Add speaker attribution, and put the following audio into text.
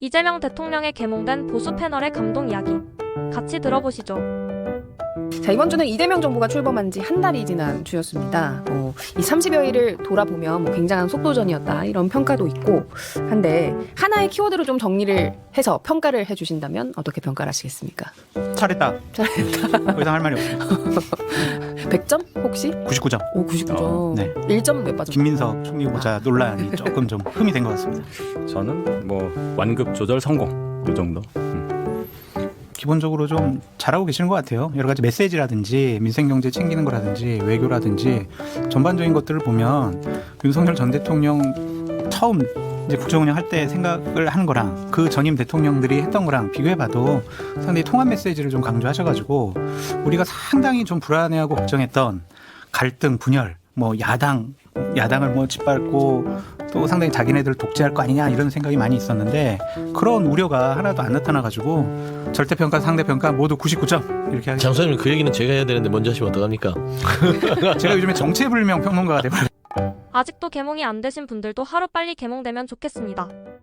Speaker 1: 이재명 대통령의 계몽된 보수 패널의 감동 이야기 같이 들어보시죠.
Speaker 2: 자, 이번 주는 이재명 정부가 출범한 지 한 달이 지난 주였습니다. 이 30여일을 돌아보면 굉장한 속도전이었다 이런 평가도 있고 한데 하나의 키워드로 좀 정리를 해서 평가를 해주신다면 어떻게 평가를 하시겠습니까?
Speaker 3: 잘했다.
Speaker 2: 잘했다.
Speaker 3: 더 이상 할 말이 없어요.
Speaker 2: 100점 혹시?
Speaker 3: 99점.
Speaker 2: 오, 99점.
Speaker 3: 네.
Speaker 2: 1점 몇 빠졌나요?
Speaker 3: 김민석 총리 후보자 논란이 조금 좀 흠이 된 것 같습니다.
Speaker 4: 저는 뭐 완급 조절 성공 이 정도.
Speaker 3: 기본적으로 좀 잘하고 계시는 것 같아요. 여러 가지 메시지라든지 민생경제 챙기는 거라든지 외교라든지 전반적인 것들을 보면 윤석열 전 대통령 처음 이제 국정운영할 때 생각을 하는 거랑 그 전임 대통령들이 했던 거랑 비교해봐도 상당히 통합 메시지를 좀 강조하셔가지고 우리가 상당히 좀 불안해하고 걱정했던 갈등, 분열, 뭐 야당을 뭐 짓밟고 또 상당히 자기네들 독재할 거 아니냐 이런 생각이 많이 있었는데 그런 우려가 하나도 안 나타나가지고 절대평가, 상대평가 모두 99점 이렇게 하겠습니다.
Speaker 5: 장 소장님 그 얘기는 제가 해야 되는데 먼저 하시면 어떡합니까?
Speaker 3: 제가 요즘에 정체불명 평론가가 돼버렸어요.
Speaker 1: 아직도 계몽이 안 되신 분들도 하루빨리 계몽되면 좋겠습니다.